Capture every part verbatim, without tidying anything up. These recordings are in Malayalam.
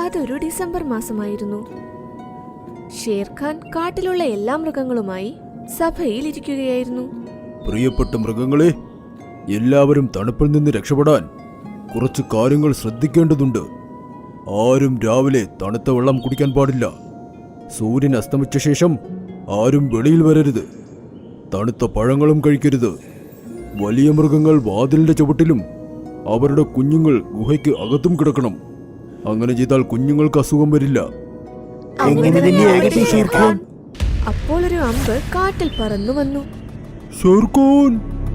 അതൊരു ഡിസംബർ മാസമായിരുന്നു. ഷേർഖാൻ കാട്ടിലുള്ള എല്ലാ മൃഗങ്ങളുമായി സഭയിൽ ഇരിക്കുകയായിരുന്നു. പ്രിയപ്പെട്ട മൃഗങ്ങളെ, എല്ലാവരും തണുപ്പിൽ നിന്ന് രക്ഷപ്പെടാൻ കുറച്ച് കാര്യങ്ങൾ ശ്രദ്ധിക്കേണ്ടതുണ്ട്. ആരും രാവിലെ തണുത്ത വെള്ളം കുടിക്കാൻ പാടില്ല. സൂര്യൻ അസ്തമിച്ച ശേഷം ആരും വെളിയിൽ വരരുത്. തണുത്ത പഴങ്ങളും കഴിക്കരുത്. വലിയ മൃഗങ്ങൾ വാതിലിന്റെ ചുവട്ടിലും അവരുടെ കുഞ്ഞുങ്ങൾ ഗുഹയ്ക്ക് അകത്തും കിടക്കണം. അങ്ങനെ ചെയ്താൽ കുഞ്ഞുങ്ങൾക്ക് അസുഖം വരില്ല. അപ്പോൾ ഒരു അമ്പ് കാട്ടിൽ പറന്നു വന്നു. ഷേർഖാൻ!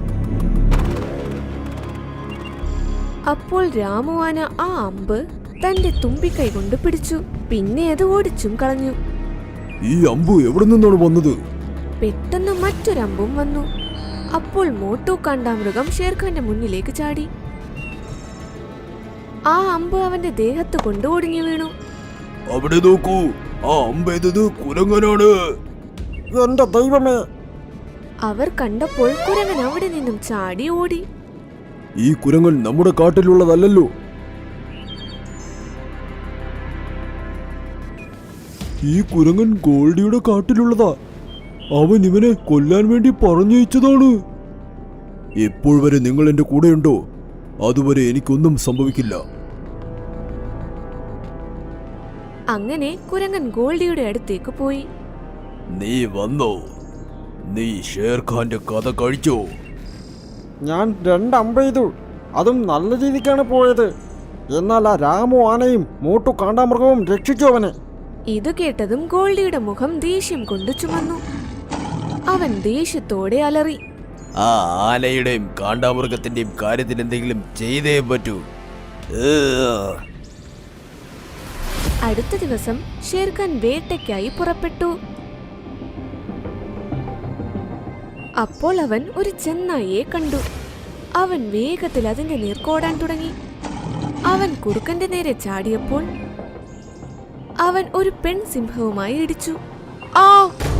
അപ്പോൾ രാമുവാന ആ അമ്പ് തന്റെ തുമ്പിക്കൈ കൊണ്ട് പിടിച്ചു. പിന്നെ അത് ഓടിച്ചും കളഞ്ഞു. ഈ അമ്പ് എവിടെ നിന്നാണ് വന്നത്? പെട്ടെന്ന് മറ്റൊരമ്പും വന്നു. അപ്പോൾ മോട്ടു കാണ്ടാമൃഗം ഷേർഖാന്റെ മുന്നിലേക്ക് ചാടി. ആ അമ്പ് അവന്റെ ദേഹത്ത് കൊണ്ട് ഒടിഞ്ഞു വീണു. അവിടെ നോക്കൂ, ആ അമ്പ് എന്നത് കുരങ്ങനാണ്. എന്റെ ദൈവമേ! അവർ കണ്ടപ്പോൾ കുരങ്ങൻ അവിടെ നിന്നും ചാടി ഓടി. ഈ കുരങ്ങൻ നമ്മുടെ കാട്ടിലുള്ളതല്ലോ. ഈ കുരങ്ങൻ ഗോൾഡിയുടെ കാട്ടിലുള്ളതാ. അവൻ ഇവനെ കൊല്ലാൻ വേണ്ടി പറഞ്ഞയച്ചതാണ്. എപ്പോൾ വരെ നിങ്ങൾ എന്റെ കൂടെയുണ്ടോ അതുവരെ എനിക്കൊന്നും സംഭവിക്കില്ല. അങ്ങനെ കുരങ്ങൻ ഗോൾഡിയുടെ അടുത്തേക്ക് പോയി. നീ വന്നോ? നീ ഷേർഖാന്റെ കഥ കഴിച്ചോ? ഞാൻ രണ്ടമ്പ ചെയ്തു. അതും നല്ല രീതിക്കാണ് പോയത്. എന്നാൽ ആ രാമു ആനയും മോട്ടു കാണ്ടാമൃഗവും രക്ഷിച്ചു അവനെ. ഇത് കേട്ടതും ഗോൾഡിയുടെ മുഖം ദേഷ്യം കൊണ്ട് ചുമന്നു. അവൻ ദേഷ്യത്തോടെ അലറി. ആ ആനയുടെയും കാണ്ടാമൃഗത്തിന്റെയും കാര്യത്തിൽ എന്തെങ്കിലും ചെയ്തേ പറ്റൂ. അടുത്ത ദിവസം ഷേർഖാൻ വേട്ടയ്ക്കായി പുറപ്പെട്ടു. അപ്പോൾ അവൻ ഒരു ചെന്നായിയെ കണ്ടു. അവൻ വേഗത്തിൽ അതിന്റെ നേർക്കോടാൻ തുടങ്ങി. അവൻ കുറുക്കന്റെ നേരെ ചാടിയപ്പോൾ അവൻ ഒരു പെൺസിംഹവുമായി ഇടിച്ചു. ആ